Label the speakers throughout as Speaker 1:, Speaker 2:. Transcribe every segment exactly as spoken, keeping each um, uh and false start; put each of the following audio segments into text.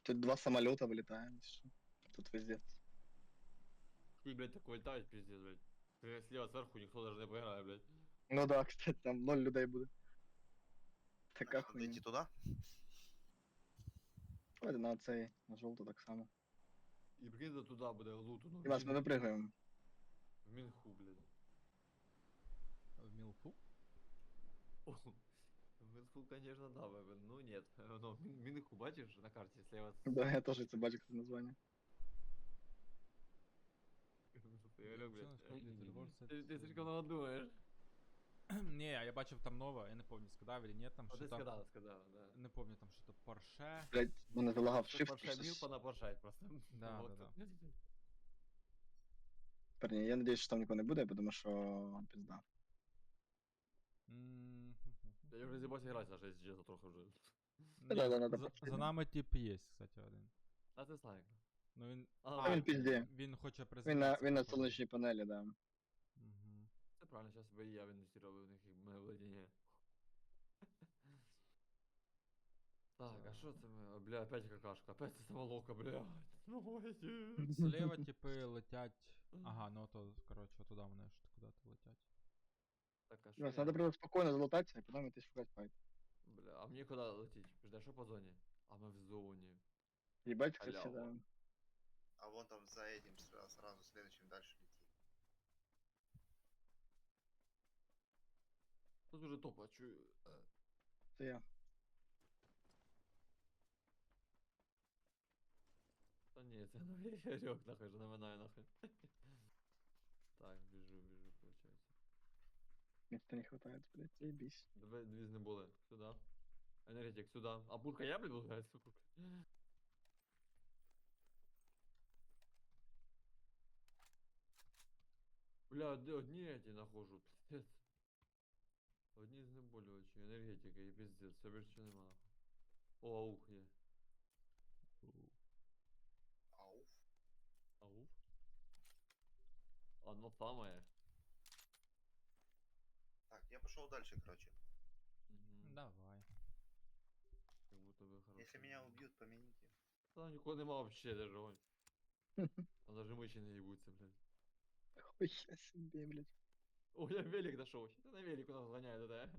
Speaker 1: Тут два самолета вылетаем. Всё. Тут везде.
Speaker 2: И, блядь, такой летает, пиздец, блядь. Ты слева сверху никто даже не поиграет, блядь.
Speaker 1: Ну да, кстати, там ноль людей буде. Така
Speaker 3: Значить, надо
Speaker 1: хуйня.
Speaker 3: йти туди.
Speaker 1: Давайте на цей, на жовту так само.
Speaker 2: И прикинь, да туда буде луту, ну,
Speaker 1: Димас, ми
Speaker 2: Мин-
Speaker 1: випрыгаємо.
Speaker 2: в Минху, блядь.
Speaker 4: В Мілфу?
Speaker 2: О, в Минху, конечно, да, блядь, ну нет. Но Мин- Минху, бачишь, на карте слева? с-
Speaker 1: Да, я теж це бачу, це названня.
Speaker 2: Я говорю, блядь,
Speaker 4: Нічого не сходить, Rewards
Speaker 2: Ты
Speaker 4: set,
Speaker 2: ты
Speaker 4: э,
Speaker 2: слишком много думаешь.
Speaker 4: Ні, я бачив там нове, я не пам'ятаю, сказав или ні, там
Speaker 2: А
Speaker 4: що
Speaker 2: ты
Speaker 4: там.
Speaker 2: сказала, сказала, да.
Speaker 4: Не пам'ятаю, там що то Порше.
Speaker 1: Блять, мене залагав
Speaker 2: Что
Speaker 1: shift.
Speaker 2: Порше
Speaker 1: просто
Speaker 2: мир
Speaker 1: с-
Speaker 2: понапоршать просто.
Speaker 4: Да,
Speaker 2: Вот.
Speaker 4: да,
Speaker 1: Парні, я надіюсь, що там нікого не буде, тому що пізда.
Speaker 4: М,
Speaker 2: Я уже заебался играть, даже если честно, трохи уже.
Speaker 4: Ні,
Speaker 1: Да, да,
Speaker 4: за-
Speaker 1: надо
Speaker 4: за-
Speaker 1: почти,
Speaker 4: За
Speaker 1: да.
Speaker 4: нами тип є, кстати, один.
Speaker 2: А ты снайк.
Speaker 4: Ну він.
Speaker 2: А,
Speaker 1: А він пізде.
Speaker 4: Він хоче
Speaker 1: Він на,
Speaker 4: приземлитися.
Speaker 1: він на
Speaker 4: походу.
Speaker 1: сонячній панелі, да.
Speaker 4: Мгм.
Speaker 2: Це правильно, сейчас бы и я инвестировал в них в моє владение. Так, а что это мы? А, бля, опять какашка, опять это самолока, бля. Ну, эти.
Speaker 4: Зліва типи летять. Ага, ну то, коротше, туди вони ж куди-то летять.
Speaker 2: Так, а что
Speaker 1: Димас,
Speaker 2: я?
Speaker 1: треба просто спокійно залутатися, а потім йти шукати файт.
Speaker 2: Бля, а мне куда лететь? Подожди, а что по зоне? А мы в зоне.
Speaker 1: Їбать, кстати,
Speaker 2: Халява.
Speaker 1: да.
Speaker 3: А вон там за этим сразу, сразу следующим дальше лети.
Speaker 2: Тут уже топ, а чё? э,
Speaker 1: Це я.
Speaker 2: Да не, это ну, я лег нахуй, же наминаю нахуй. Так, бежу, бежу, получается.
Speaker 1: Місця не хватає, блять, заєбісь.
Speaker 2: Давай две не было. Сюда. Энергетик, сюда. А бурка я, блин, буду играть? Бля, де одні эти нахожу, пиздец. Одні знеболювачі, енергетика і пиздец, все більше нема. нахуй. О, аух є.
Speaker 3: Ауф.
Speaker 2: Ауф? Оно самое.
Speaker 3: Так, я пошел дальше, короче.
Speaker 2: Мгм.
Speaker 4: Давай.
Speaker 2: Как будто бы хорошо.
Speaker 3: Если меня убьют, помяните.
Speaker 2: Там нікого нема вообще даже, ой. Там даже мыши не ебутся, блядь.
Speaker 1: Хуя собі, блять.
Speaker 2: О, я велик нашел. Что на велик у нас гоняет, да?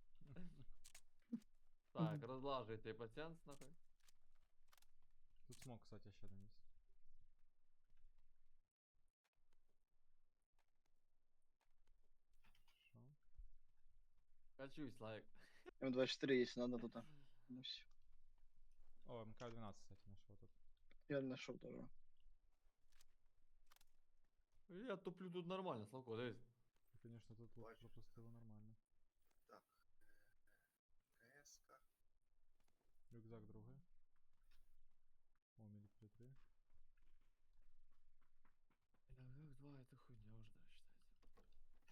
Speaker 2: Так, разлаживайте пациент нахуй.
Speaker 4: Тут смог, кстати, ще один є. Що?
Speaker 2: Качусь, лайк.
Speaker 1: М двадцять чотири, якщо надо, то там. Ну все.
Speaker 4: О, МК двенадцать, кстати, нашел тут.
Speaker 1: Я знайшов теж.
Speaker 2: Я туплю тут нормально, Славко, дивись.
Speaker 4: І, Конечно, тут вот
Speaker 3: Бачиш.
Speaker 4: пропустило нормально.
Speaker 3: Так. КС-ка.
Speaker 4: Рюкзак другий. О, мілітарі три.
Speaker 2: Эх, два это хуйня уже, да, считается.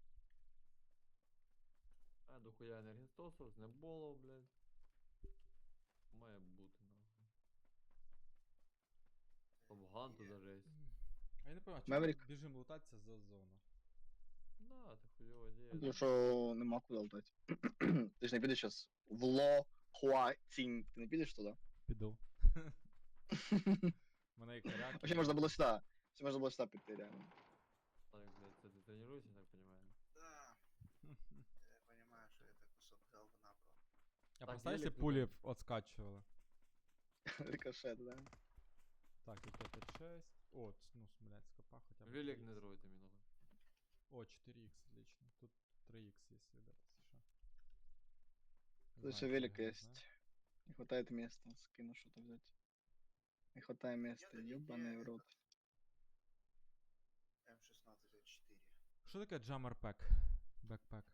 Speaker 2: А, дохуя енергетосов, знеболов, блядь. Має бути, нахуй. Топ-ган тут даже есть.
Speaker 4: А я не понимаю, чому ми
Speaker 1: Маврик.
Speaker 4: біжимо лутатися за зону?
Speaker 2: Да, это хуёвая идея.
Speaker 1: Тому
Speaker 2: да.
Speaker 1: що нема куди летати. Ти ж не підеш зараз в Ло Хуа-Цінь. Ти не підеш туди?
Speaker 4: Піду. Мене і коряк.
Speaker 1: Вообще можна було сюди. Все можна було сюди піти, реально.
Speaker 2: Так, блядь, ты, ты тренируешься, я так понимаю.
Speaker 3: Да, я понимаю, что это кусок говна, бро.
Speaker 4: А
Speaker 2: Так,
Speaker 4: представь, если
Speaker 2: велик
Speaker 4: пули
Speaker 2: туда.
Speaker 4: отскачивала.
Speaker 1: Рикошет, да.
Speaker 4: Так, тут пять шесть. О, ц- ну, с- блядь, скопа хотя бы.
Speaker 2: Велик
Speaker 4: три
Speaker 2: не
Speaker 4: икс.
Speaker 2: трогайте меня, нахуй.
Speaker 4: О, четыре икс, отлично. Тут три икс есть, ребята, если что. Не
Speaker 1: Тут
Speaker 4: знаю,
Speaker 1: ще
Speaker 4: что
Speaker 1: велик
Speaker 4: играть,
Speaker 1: есть.
Speaker 4: да?
Speaker 1: Не хватает места. Скину что-то взять. Не хватает места.
Speaker 3: Я-то не
Speaker 1: Ёбаный в
Speaker 3: знаю,
Speaker 1: рот.
Speaker 3: М шестнадцать а четыре.
Speaker 4: Що таке джаммер пек? Бекпек.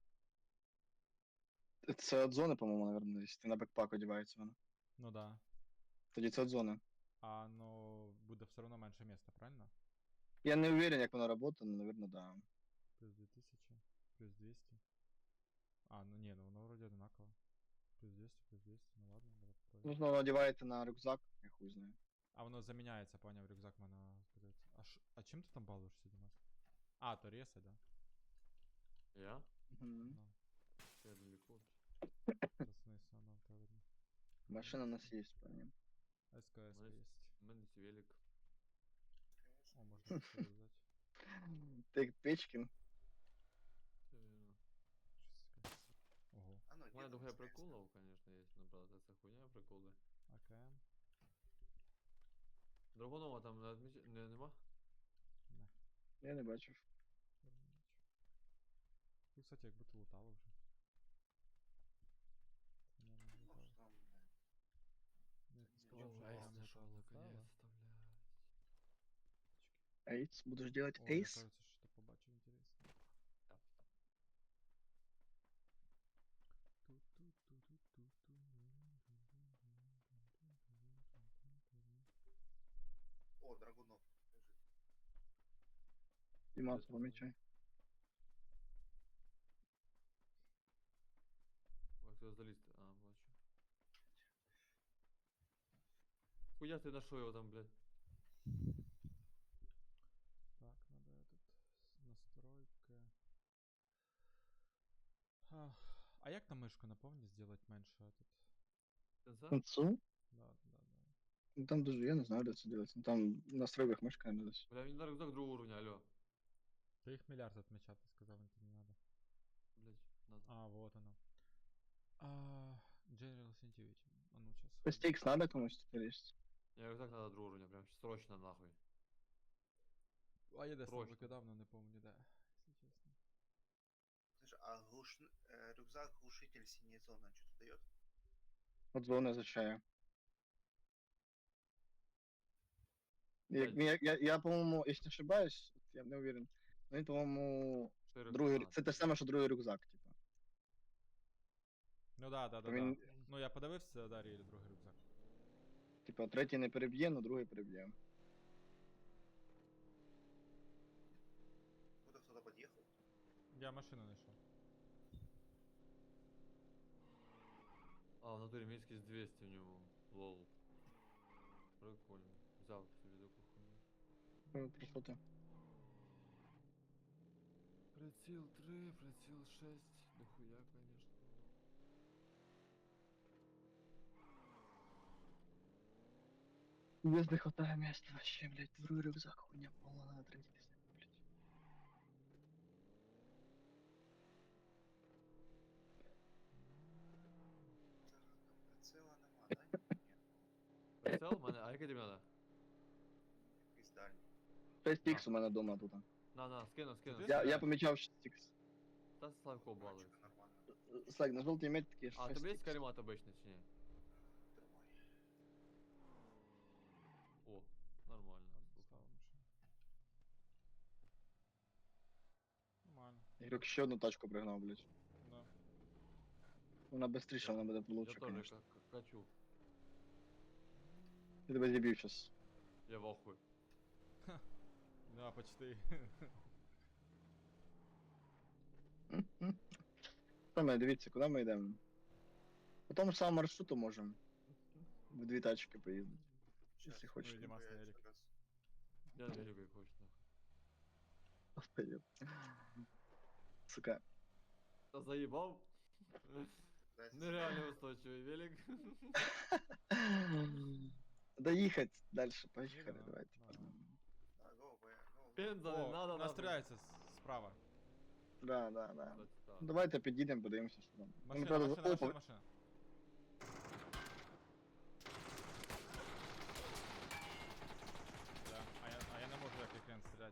Speaker 1: Це от зони, по-моєму, наверное, десь. Ти на бекпак одягається воно.
Speaker 4: Ну да.
Speaker 1: Тоді це от зони.
Speaker 4: А ну буде все одно менше міста, правильно?
Speaker 1: Я не уверен, як воно працює, але, наверное, да.
Speaker 4: Плюс две тысячи, плюс двести. А, ну не, ну воно вроде одинаково. Плюс двести, плюс двести, ну ладно, давай попробуем.
Speaker 1: Можна воно одягається на рюкзак, я хуй знаю.
Speaker 4: А воно заміняється, поняв, рюкзак мене здається. А, ш... а чим ти там балуєшся, Дімас? А, то реси, да?
Speaker 2: Я?
Speaker 1: Угу.
Speaker 4: Ну,
Speaker 2: Я далеко.
Speaker 4: це смисл, ну, то видно.
Speaker 1: Машина у нас є, понял.
Speaker 4: СКС
Speaker 2: Мене-
Speaker 4: есть.
Speaker 2: У мене є велик.
Speaker 4: О, можно СКС взять.
Speaker 1: Ти Печкін.
Speaker 2: Все вірно.
Speaker 4: Щось СКС. Ого.
Speaker 3: А ну,
Speaker 2: У мене
Speaker 3: ділом
Speaker 2: дохуя
Speaker 3: СКС.
Speaker 2: приколів, конечно, є, ну правда, це хуйня приколи.
Speaker 4: АКМ.
Speaker 2: Драгунова там не, отміч... не нема?
Speaker 4: Не.
Speaker 1: Я не бачив.
Speaker 4: Чорний меч. Ну, кстати, як будто лутало вже. Це, наверно,
Speaker 3: Ну,
Speaker 4: лутало.
Speaker 3: що там, блядь.
Speaker 4: Ну,
Speaker 3: Це
Speaker 4: сказав,
Speaker 3: нічого
Speaker 4: що
Speaker 3: не
Speaker 4: прямо
Speaker 2: знайшов,
Speaker 4: там лутало.
Speaker 2: наконец-то, блядь.
Speaker 1: Ейс, будеш делать
Speaker 4: О, я,
Speaker 1: ейс?
Speaker 4: кажется, что-то побачив интересно.
Speaker 2: Так.
Speaker 3: О, Драгунов лежить.
Speaker 1: Дімас,
Speaker 2: Де це
Speaker 1: помічай.
Speaker 2: Ой, хто залізти? А, бачу. Хуя ти нашов його там, блядь?
Speaker 4: Так, надо этот с- настройки. А, а як на мишку напомни сделать менше этот?
Speaker 2: Сенса?
Speaker 1: Концу?
Speaker 4: Да, да, да.
Speaker 1: Ну там дуже, я не знаю, де це делать. Ну там в настройках мишка не десь.
Speaker 2: Бля, він на рюкзак другого уровня, алло.
Speaker 4: Та їх мільярд отмечати, сказав, мені не надо.
Speaker 2: Блядь, надо.
Speaker 4: А, вот оно. А, General Sensitivity. А ну сейчас.
Speaker 1: По стікс надо комусь тепер есть?
Speaker 2: Я рюкзак надо другого уровня, прям срочно нахуй.
Speaker 4: А я десь там
Speaker 2: Срочно.
Speaker 4: викидав, но не помню, де, якщо чесно.
Speaker 3: Слушай, а глуш... э, рюкзак глушитель синяя зона что-то дает?
Speaker 1: От зона означає. Як,
Speaker 2: Блядь.
Speaker 1: я, я, я, по-моєму, якщо не ошибаюсь, я не уверен. Ну, він, по-моєму,
Speaker 2: Широко.
Speaker 1: другий,
Speaker 2: А,
Speaker 1: це те ж саме, що другий рюкзак, типа.
Speaker 4: Ну да, да, да,
Speaker 1: Він,
Speaker 4: да. Ну я подивився, Дар'я, і другий рюкзак.
Speaker 1: типа, третій не переб'є, но другий переб'є.
Speaker 3: Куда кто-то подъехал?
Speaker 4: Я машину знайшов.
Speaker 2: А, в натурі міськість двісті в ньому. Лол. Прикольно. Взяв собі таку хуйню.
Speaker 1: Е, Про що ти?
Speaker 2: Приціл три, приціл шесть. Дохуя, конечно.
Speaker 1: Без не хватає місця вообще, блядь, другий рюкзак, хуйня полна, надо третій десь, блядь.
Speaker 3: Прицела нема, да? Нет.
Speaker 2: Прицел в мене, а який тобі надо?
Speaker 3: Якийсь дальній.
Speaker 1: шесть ікс у мене дома тут.
Speaker 2: На, на, скину, скину.
Speaker 4: Ти
Speaker 1: Я, я
Speaker 2: скину.
Speaker 1: помічав шесть ікс.
Speaker 2: Та Славко балується.
Speaker 3: Короче, нормально.
Speaker 1: Слайк, на жовтій метки
Speaker 2: А,
Speaker 1: шесть
Speaker 2: тобі є
Speaker 1: ікс.
Speaker 2: каремат обичний чи ні?
Speaker 3: Тримай.
Speaker 2: О, нормально. слухай.
Speaker 4: Стала машина. Нормально.
Speaker 1: Ігрок ще одну тачку пригнав, блядь.
Speaker 4: Да.
Speaker 1: Вона быстріше, вона буде
Speaker 2: Я
Speaker 1: лучше,
Speaker 2: теж
Speaker 1: конечно.
Speaker 2: ка- ка- качу.
Speaker 1: Я тебе зіб'ю щас.
Speaker 2: Я в ахуї.
Speaker 4: Да, почти.
Speaker 1: Саме, дивіться, куди ми йдемо. По тому ж самому маршруту можемо. В дві тачки поїздити.
Speaker 3: Щас,
Speaker 1: Если хочешь.
Speaker 4: Ну, Димас
Speaker 3: я
Speaker 4: на
Speaker 3: еще
Speaker 4: велике.
Speaker 3: раз.
Speaker 2: Я не люблю як хочеш. нахуй.
Speaker 1: Поїду. Сука.
Speaker 2: Та заїбав?
Speaker 3: Дайте
Speaker 2: Нереально устойчивий велик.
Speaker 1: Доїхати далі, поїхали,
Speaker 4: Їдемо?
Speaker 1: давайте.
Speaker 4: Давай.
Speaker 3: Да, go, go, go.
Speaker 2: Пенза не
Speaker 4: О,
Speaker 2: надо.
Speaker 4: нас
Speaker 2: нахуй.
Speaker 4: стріляється с- справа.
Speaker 1: Да, да, да.
Speaker 2: Кстати, так.
Speaker 1: Давайте підійдемо, подивимося, що там. Ну,
Speaker 4: Машина,
Speaker 1: правда,
Speaker 4: машина,
Speaker 1: опа,
Speaker 4: машина, машина. Да, а я, а я не можу як екран стріляти.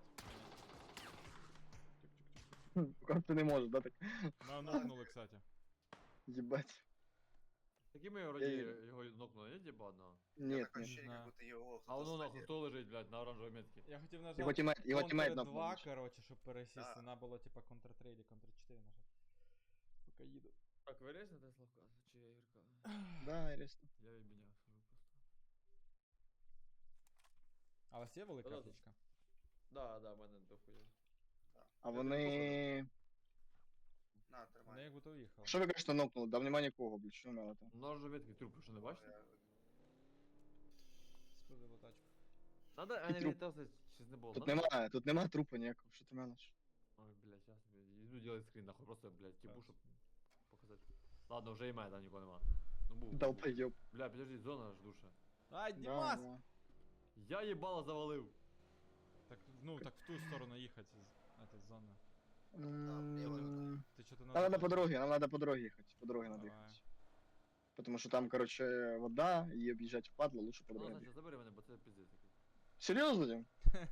Speaker 1: Поки ти не можеш, да, так?
Speaker 4: Ми нокнули, кстати.
Speaker 1: Єбать.
Speaker 2: Такі ми вроді
Speaker 1: Я-
Speaker 2: його нокнули, ні типа одного?
Speaker 1: Ні,
Speaker 3: Так
Speaker 1: ні.
Speaker 3: ощущение,
Speaker 4: знаю.
Speaker 3: как будто его
Speaker 2: А воно
Speaker 3: кто-то
Speaker 2: нахуй
Speaker 3: задел.
Speaker 2: хто лежить, блядь, на оранжевій метці?
Speaker 4: Я хотів
Speaker 1: Його
Speaker 4: нажати
Speaker 1: тімейт, його тімейт
Speaker 4: Ctrl
Speaker 1: на
Speaker 4: два, короче, щоб пересісти.
Speaker 3: Да.
Speaker 4: Надо було типа Ctrl три или Ctrl чотири нажати. Поки їду.
Speaker 2: Так, ви різните Славка? Чи я Ірка?
Speaker 1: Да, ясно.
Speaker 2: Я відміняв свою просто.
Speaker 4: А у вас є велика
Speaker 2: Да-да-да.
Speaker 4: аптечка?
Speaker 2: Да, да, в мене дохуя.
Speaker 1: А
Speaker 2: Я
Speaker 1: вони...
Speaker 3: На,
Speaker 4: Вони
Speaker 3: тримай.
Speaker 4: як будто уїхали.
Speaker 1: Що ви кажете нокнули? Да нема нікого, блядь, що мало там?
Speaker 2: На оранжевій метці труп, що не бачите?
Speaker 3: Я-
Speaker 4: Сподобала тачку.
Speaker 2: Надо, а
Speaker 1: І
Speaker 2: не
Speaker 1: труп.
Speaker 2: вітався, щось не було.
Speaker 1: Тут
Speaker 2: надо?
Speaker 1: немає, тут нема трупа ніякого, що ти мелиш?
Speaker 2: Ой, блядь, сейчас иду делать скрин, нахуй, просто, блядь, типу,
Speaker 4: Так.
Speaker 2: щоб показати. Ладно, вже і має, там нікого нема. Ну, був. був.
Speaker 1: Долбоєб.
Speaker 2: Бля, подожди, зона ж душа.
Speaker 4: Ай,
Speaker 1: Да,
Speaker 4: Димас!
Speaker 1: да.
Speaker 2: Я їбало завалив.
Speaker 4: Так, ну, так в ту сторону ехать из этой зоны.
Speaker 3: влево надо.
Speaker 1: М,
Speaker 4: Ты что-то
Speaker 1: Нам надо по дороге, нам надо по дороге ехать. По дороге надо
Speaker 4: Давай.
Speaker 1: ехать. Потому что там, короче, вода, и объезжать впадло, лучше по
Speaker 2: Ну,
Speaker 1: дороге.
Speaker 2: Санчо,
Speaker 1: ехать.
Speaker 2: забери мене, бо це пиздець такий.
Speaker 1: Серьезно, Дим?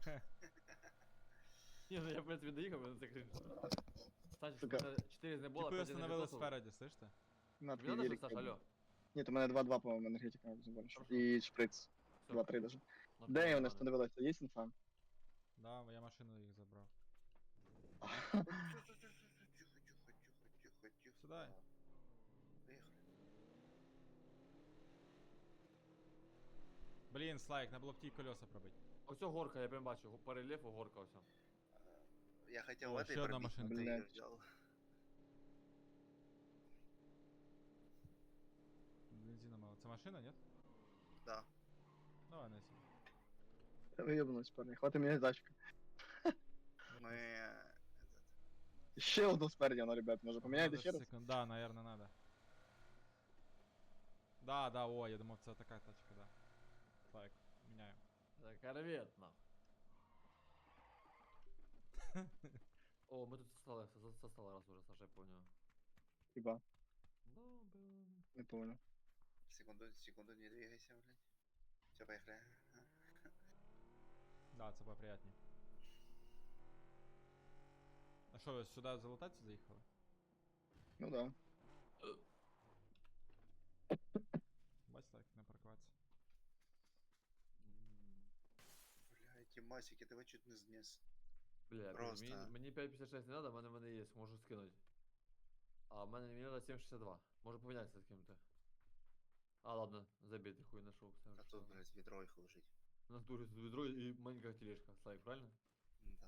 Speaker 2: Ні, ну я в принципі доїхав, але це крінж. Санчо,
Speaker 1: Сука.
Speaker 2: у мене чотири з небола,
Speaker 4: Типы
Speaker 2: п'ять
Speaker 4: остановились
Speaker 2: енергетосов.
Speaker 4: спереди, слышь ты?
Speaker 1: На,
Speaker 2: Тобі
Speaker 1: твій
Speaker 2: надо
Speaker 1: велик.
Speaker 2: щось, Саш, алло?
Speaker 1: Нет, у мене два-два, по-моему, энергетика больше.
Speaker 2: Хорошо.
Speaker 1: И шприц.
Speaker 2: Все,
Speaker 1: два-три даже.
Speaker 2: на
Speaker 1: Де
Speaker 2: пиво
Speaker 1: вони
Speaker 2: мене.
Speaker 1: остановилися? Є інфа?
Speaker 4: Да, я машину их забрал.
Speaker 3: Тихо, тихо, тихо, тихо, тихо, тихо.
Speaker 4: Сюда.
Speaker 3: Поехали.
Speaker 4: Блин, Слайк, надо было в ті колеса пробить.
Speaker 2: Ось о горка, я прям бачу, по рельєфу горка ось.
Speaker 3: Э, Я хотел
Speaker 4: О,
Speaker 3: в
Speaker 4: еще
Speaker 3: этой
Speaker 4: одна
Speaker 3: пробить, но
Speaker 4: машинка.
Speaker 3: ты ее
Speaker 1: Блядь.
Speaker 3: взял.
Speaker 4: Бензина мало. Це машина, нет?
Speaker 3: Да.
Speaker 4: Давай, Неси.
Speaker 1: Виєбнусь, парни. Хватить мені тачка.
Speaker 3: Мы... Этот...
Speaker 1: Ще одну спереді, воно, ребят, може поміняйте ще раз?
Speaker 4: Секунд. Да, наверное, надо. Да, да, о, я думал, це така тачка, да. Слайк, меняем.
Speaker 2: Так, корвет, нахуй. О, ми тут состали, со- состали раз уже, Саша, я понял.
Speaker 1: Хіба?
Speaker 2: Да, блин.
Speaker 1: Не помню.
Speaker 3: Секунду, секунду, не двигайся, блядь. Все, поехали.
Speaker 4: Да, це поприятнее. А що, ви сюди залутатися заїхали?
Speaker 1: Ну да.
Speaker 4: Бач, так, не паркуватися.
Speaker 2: М,
Speaker 3: Бля, эти масики, давай чуть не снес.
Speaker 2: Бля,
Speaker 3: Просто.
Speaker 2: мені, мені п'ять п'ятдесят шесть не надо, в мене в мене є, можу скинути. А в мене мені надо сім шістдесят два. Може помінятися з ким-то. А, ладно, забейте, хуй нашел.
Speaker 3: А тут, блядь, ведро их ложить.
Speaker 2: У нас тут ведро и маленькая тележка. Слайк, правильно?
Speaker 3: Да.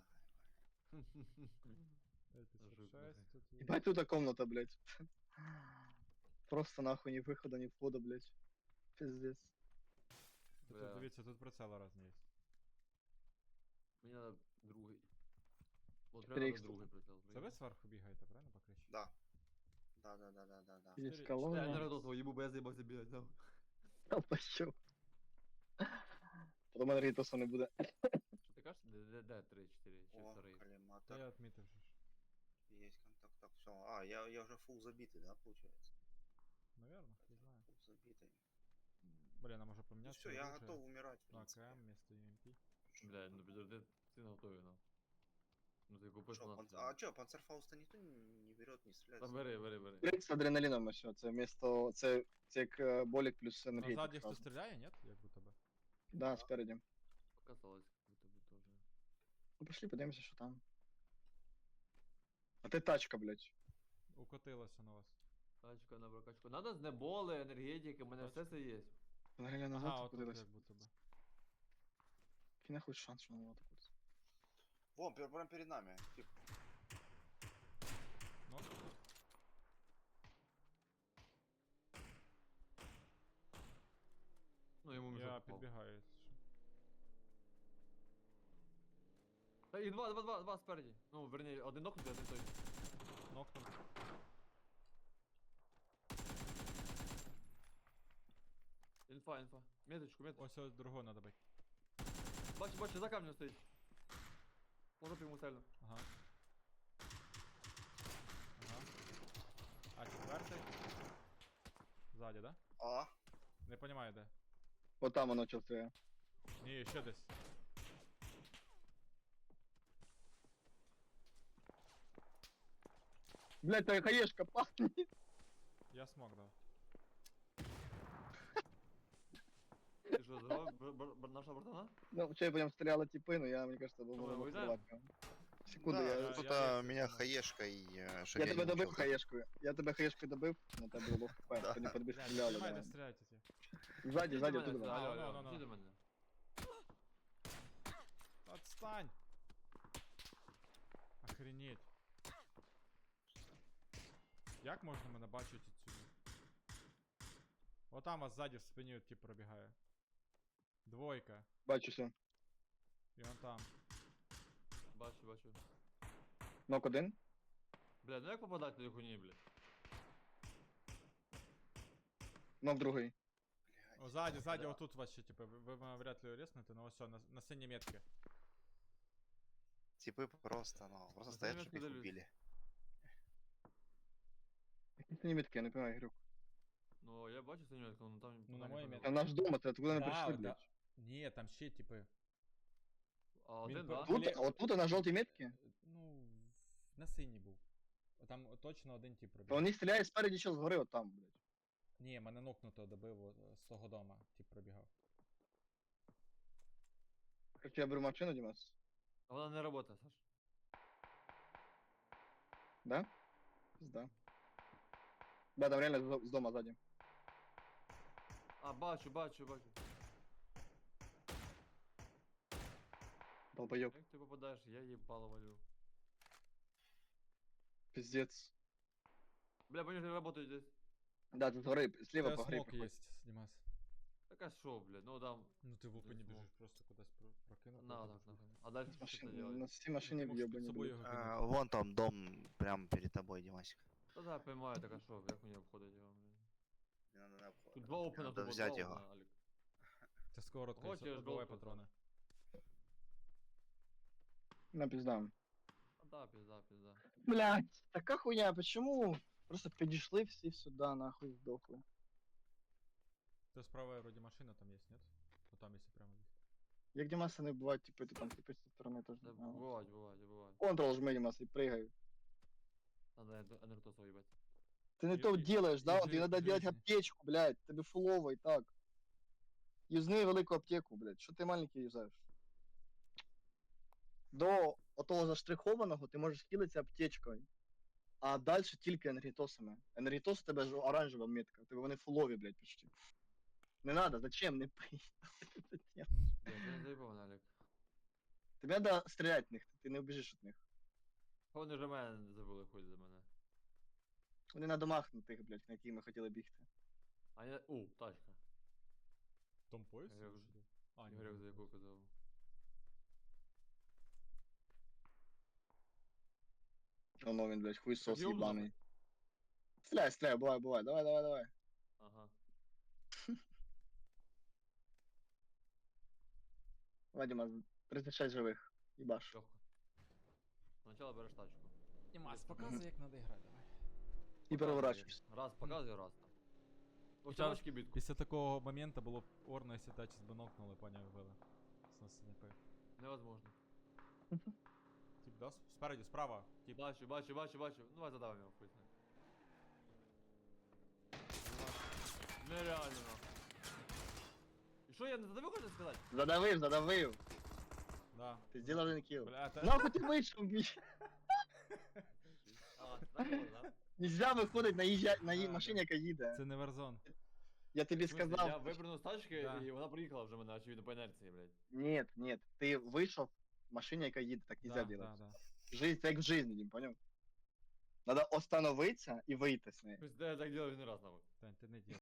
Speaker 4: п'ять п'ятдесят
Speaker 2: Жук,
Speaker 4: шесть, тут є.
Speaker 1: Ебать тут комната, блядь. Просто нахуй ни выхода, ни входа, блядь. Пиздец.
Speaker 4: Та
Speaker 2: Бля.
Speaker 4: Тут дивіться, тут прицел разні є.
Speaker 2: Мені надо другий. От
Speaker 1: чотири
Speaker 2: прямо
Speaker 1: ікс
Speaker 2: надо другий прицел.
Speaker 4: Це ви зверху бігаєте, правильно, по криші?
Speaker 3: Да. Да, да, да, да, да, да.
Speaker 1: Есть
Speaker 4: Четыре-
Speaker 2: Я
Speaker 1: колонна.
Speaker 2: не радовал, ебу, бо я заебался бігати, нахуй.
Speaker 1: Та пощу. Потом энергетоса не буде.
Speaker 2: Що ти кажеш? Де, де, де, три, чотири, чи
Speaker 3: О,
Speaker 2: вторий?
Speaker 4: Та
Speaker 3: коллиматор.
Speaker 4: я відмітив же ж.
Speaker 3: Есть контакт. Так, все. А, я, я уже фул забитый, да, получается?
Speaker 4: Наверно, не знаю.
Speaker 3: Фул забитый.
Speaker 4: Блін, а може
Speaker 3: Ну
Speaker 4: поміняти?
Speaker 3: все, я готов умирать, в
Speaker 4: На
Speaker 3: принципе.
Speaker 4: АКМ вместо ю ем пі.
Speaker 2: Бля, ну підожди, ти не готовий, ну. Ну ти купиш
Speaker 3: Шо,
Speaker 2: нас.
Speaker 3: панц- А чё, панцерфауста никто не не берет, не стреляет?
Speaker 2: Та бери, бери, бери.
Speaker 1: Блядь, з адреналіном ось, це вмісто, це, це як е, болік плюс
Speaker 4: А ззаді
Speaker 1: енергетик.
Speaker 4: хто стріляє, ні? Як будто би.
Speaker 1: Да, спереді.
Speaker 2: Показалось, как будто бы тоже.
Speaker 1: Ну пошли подивимося, що там. А ти тачка, блядь.
Speaker 4: Укотилося на вас.
Speaker 2: Тачка на прокачку. Надо з неболи, енергетики, у мене все це є.
Speaker 1: Взагалі назад
Speaker 4: Ага, отут
Speaker 1: кудись.
Speaker 4: як будто би.
Speaker 1: Який нахуй шанс, що воно так от.
Speaker 3: Вон, пер- прям перед нами. Тип.
Speaker 4: Ну, тут.
Speaker 2: Ну йому
Speaker 4: Я
Speaker 2: мішок впав.
Speaker 4: підбігаю. якщо що.
Speaker 2: Та і два, два, два, два спереді. Ну, верні, один нокнутий, один той.
Speaker 4: Нокнув.
Speaker 2: Інфа, інфа. Меточку, меточку.
Speaker 4: Ось ось другого надо бити.
Speaker 2: Бачу, бачу, за камнем стоїть. Можу йому сильно.
Speaker 4: Ага. Ага. А четвертий. Ззаді, да?
Speaker 3: А,
Speaker 4: Не понимаю, де.
Speaker 1: От там воно чувствує.
Speaker 4: Ні, ще десь.
Speaker 1: Блядь, та хаєшка пахне.
Speaker 4: Я смог дав.
Speaker 2: Ти що, здоров, бр- бр- бр- наша братана?
Speaker 1: Ну, вчора по ньому стріляли тіпи, ну я, мені кажется,
Speaker 2: Що,
Speaker 1: думав,
Speaker 2: ми
Speaker 1: воно
Speaker 2: вийдемо?
Speaker 1: впливати. Секунду,
Speaker 3: да,
Speaker 1: я...
Speaker 4: я-
Speaker 3: кто-то
Speaker 4: я-
Speaker 3: меня
Speaker 4: я-
Speaker 3: хаешкой, э,
Speaker 1: Я
Speaker 3: шагнул
Speaker 1: тебе добив
Speaker 3: чё-то.
Speaker 1: хаєшкою. Я тебе хаєшкою добив, на тебе було хп.
Speaker 3: Да.
Speaker 1: Тоді по тобі
Speaker 4: Блядь,
Speaker 1: стріляли,
Speaker 4: не
Speaker 1: да.
Speaker 4: де стріляйте ті.
Speaker 1: Ззаді,
Speaker 2: Іди
Speaker 1: ззаді,
Speaker 2: до мене
Speaker 1: туди.
Speaker 2: сюди,
Speaker 4: А,
Speaker 2: алло,
Speaker 4: ну,
Speaker 2: алло,
Speaker 4: ну,
Speaker 2: іди
Speaker 4: ну.
Speaker 2: до мене.
Speaker 4: Отстань! Охренеть. Як можна мене бачити відсюди? Отам вас ззаді в спині тип пробігає. Двойка.
Speaker 1: Бачу все.
Speaker 4: І он там.
Speaker 2: Бачу, бачу.
Speaker 1: Нок один.
Speaker 2: Бля, ну як попадати до хуйні, блядь?
Speaker 1: Нок другий.
Speaker 3: Бля,
Speaker 4: О, сзади, сзади,
Speaker 2: Да.
Speaker 4: вот тут вообще, типа, вы, вы меня вряд ли резнете, но все, на, на синей метке.
Speaker 3: Типы просто, ну, просто
Speaker 2: Ну,
Speaker 3: стоят,
Speaker 2: заметно
Speaker 3: чтобы их
Speaker 2: дались.
Speaker 3: убили.
Speaker 1: Які це німітки, я не понимаю, Ігорюк.
Speaker 2: Ну, я бачу цю метку, ну там
Speaker 4: Ну,
Speaker 2: пока
Speaker 4: на моїй
Speaker 2: не
Speaker 4: метці.
Speaker 1: Та
Speaker 2: понял.
Speaker 1: наш дом, це откуда ми
Speaker 4: Да,
Speaker 1: прийшли,
Speaker 4: да.
Speaker 1: блядь.
Speaker 4: Ні, там ще, типи.
Speaker 2: А
Speaker 4: Він
Speaker 2: один,
Speaker 4: по-
Speaker 2: да?
Speaker 4: тут-
Speaker 1: Тут, от тут на жовтій метці,
Speaker 4: Ну, на синій був. Там точно один тип
Speaker 1: то
Speaker 4: пробіг.
Speaker 1: вони стріляють спереді, що згори, от там, блядь.
Speaker 4: Ні, мене нокнуто добив о, з того дома, тип пробігав.
Speaker 1: Короче, я беру машину, Дімас.
Speaker 2: А вона не работає, Саш.
Speaker 1: Да? Пизда. Да, там реально з з дома ззаді.
Speaker 2: А, бачу, бачу, бачу.
Speaker 1: Долбойоб.
Speaker 2: Як ти попадаєш, я їбало валю.
Speaker 1: Пиздец.
Speaker 2: Бля, вони ж работають десь.
Speaker 1: Да, тут згори, сліва
Speaker 4: Та
Speaker 1: по грі
Speaker 4: смок
Speaker 1: проходь.
Speaker 4: є, Дімас.
Speaker 2: Так а що, блядь, ну там.
Speaker 4: Ну ти в опені
Speaker 2: смок.
Speaker 4: біжиш, просто кудись про- прокинув.
Speaker 2: На,
Speaker 4: потім
Speaker 2: так,
Speaker 4: пішов.
Speaker 2: нахуй. А дальше що
Speaker 1: Машин,
Speaker 2: це
Speaker 1: на
Speaker 2: делать?
Speaker 1: всій машині
Speaker 4: Ти можеш під
Speaker 1: в'єбані,
Speaker 4: собою
Speaker 1: блядь.
Speaker 4: його
Speaker 3: А,
Speaker 4: кинути.
Speaker 3: вон там дом прямо перед тобой, Димасик.
Speaker 2: Та да, поймаю, так а що, як мені обходить його, блядь.
Speaker 3: Не надо на обход.
Speaker 2: Тут два опена,
Speaker 3: Надо
Speaker 2: тут
Speaker 3: взять
Speaker 2: два
Speaker 3: его.
Speaker 2: опена, Алік.
Speaker 4: Це сковородка,
Speaker 2: Хочеш,
Speaker 4: Хочеш, давай
Speaker 2: жовту,
Speaker 4: патрони.
Speaker 1: На пизда.
Speaker 2: А да, пізда, пізда.
Speaker 1: Блядь, така хуйня, почему? Просто підійшли всі сюди, нахуй здохли.
Speaker 4: Це справа вроді машина там є, нет? Ну там якщо прямо десь.
Speaker 1: Як Дімаса не бувають, типу, ти там типу, з цієї сторони теж
Speaker 2: Та
Speaker 1: не знаю.
Speaker 2: бувають, бувають, бувають.
Speaker 1: Контрол жми, Дімас, і пригай.
Speaker 2: Надо енергетосу їбать.
Speaker 1: Ты не
Speaker 4: И-
Speaker 1: то
Speaker 4: и-
Speaker 1: делаешь, да?
Speaker 4: и
Speaker 1: Вот
Speaker 4: жи-
Speaker 1: тебе надо делать
Speaker 4: жизни.
Speaker 1: аптечку, блядь. Тебе фулово и так. Юзни велику аптеку, блядь. Що ти маленький юзаєш? До отого заштрихованого ти можеш хілитися аптечкою. А далі тільки енергетосами. Енергетос у тебе ж оранжева метка. У тебе вони фулові, блядь, почти. Не надо, зачем? Не пий.
Speaker 2: Блядь, ти не заїбав, Алік.
Speaker 1: Тобі треба стріляти в них, ти не вбіжиш від них.
Speaker 2: Вони вже мене забули хуй за мене.
Speaker 1: Вони на домах на тих, блядь, на які ми хотіли бігти.
Speaker 2: А я. У, тачка.
Speaker 4: Том пояс?
Speaker 2: Я
Speaker 4: чи
Speaker 2: вже-
Speaker 4: що ти? А, ні,
Speaker 2: Ігоряк
Speaker 4: не
Speaker 2: за яку
Speaker 4: пояс.
Speaker 2: казав.
Speaker 1: Воно він, блядь, хуйсос
Speaker 2: Так, ёбнуто.
Speaker 1: їбаний. Стріляй, стріляй, бувай, бувай, давай, давай, давай.
Speaker 2: Ага.
Speaker 1: Вадима, тридцять шесть живих. Їбаш.
Speaker 2: Легко. Спочатку береш тачку.
Speaker 4: Дімас,
Speaker 1: Мгм.
Speaker 4: показуй, як треба грати, давай.
Speaker 1: І переворачуєшся.
Speaker 2: Раз показує, раз там. Ось
Speaker 4: Хоча
Speaker 2: тачки бітку.
Speaker 4: Після такого моменту було б орно, якщо тачі би нокнули, поняв, вбили. З снайпи.
Speaker 2: Невозможно.
Speaker 4: Тип, да? с- Спереді, справа. Тип.
Speaker 2: Бачу, бачу, бачу, бачу. Ну давай задавим його хуй знає. Нереально нахуй. І що я не задавив, хочу сказати?
Speaker 1: Задавив, задавив.
Speaker 4: Да.
Speaker 1: Ти зробив один кіл.
Speaker 4: Бля, та...
Speaker 1: Нахуй ти вийшов, бій.
Speaker 2: А, так було, да?
Speaker 1: Нельзя виходить на, їжджа... на її
Speaker 4: А,
Speaker 1: машині,
Speaker 4: да.
Speaker 1: яка їде.
Speaker 4: Це не Warzone.
Speaker 1: Я тобі
Speaker 2: В смысле,
Speaker 1: сказав.
Speaker 2: Я випрыгнув з тачки,
Speaker 4: Да.
Speaker 2: і вона приїхала вже мене, очевидно, по інерції, блядь.
Speaker 1: Ні, ні, ти вийшов в машині, яка їде, так нельзя
Speaker 4: Да,
Speaker 1: делать.
Speaker 4: да, да.
Speaker 1: Жизнь, це як в житті, Дім, поняв? Надо остановитися і вийти з неї.
Speaker 2: Тобто я так делав один раз, нахуй.
Speaker 4: Тань, ти не діл.